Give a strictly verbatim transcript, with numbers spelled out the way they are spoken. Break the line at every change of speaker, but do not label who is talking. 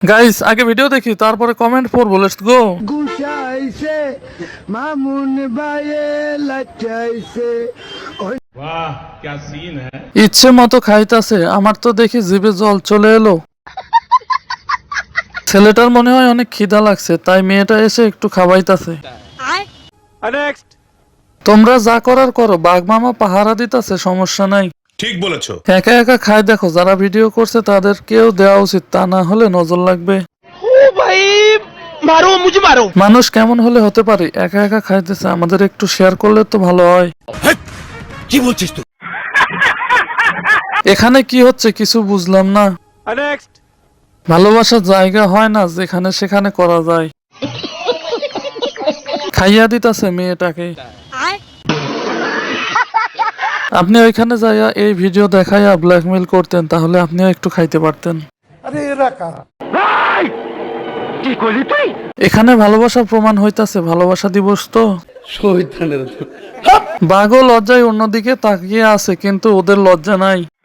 Guys আগে video দেখি তারপরে কমেন্ট পড়বো। Let's go.
গুছাইছে মামুন ভাইয়ে লাচাইছে
वाह क्या सीन है।
ইচ্ছে মতো খাইতাছে, আমার তো দেখি জিভে জল চলে এলো। ছেলেটার মনে হয় অনেক খিদা লাগছে, তাই মেয়েটা এসে একটু খাওয়াইতাছে। তোমরা যা করার করো, বাঘ মামা পাহারা দিতাছে, সমস্যা নাই।
ঠিক বলেছো।
একা একা খায় দেখো, যারা ভিডিও করছে তাদের কেউ দেওয়া উচিত, তা না হলে নজর লাগবে।
মারো মুঝে মারো।
মানুষ কেমন হলে হতে পারে, একা একা খাইতেছে, আমাদের একটু শেয়ার করলে তো ভালো হয়।
কি বলছিস তুই?
এখানে কি হচ্ছে কিছু বুঝলাম না। ভালোবাসার জায়গা হয় না যেখানে সেখানে করা যায়। খাইয়া দিতাছে মেয়েটাকে। আপনি ওইখানে যাইয়া এই ভিডিও দেখাইয়া ব্ল্যাকমেল করতেন, তাহলে আপনিও একটু খাইতে পারতেন। এখানে ভালোবাসা প্রমাণ হইতাছে, ভালোবাসা দিবস তো। বাঘও লজ্জায় অন্যদিকে তাকিয়ে আছে, কিন্তু ওদের লজ্জা নাই।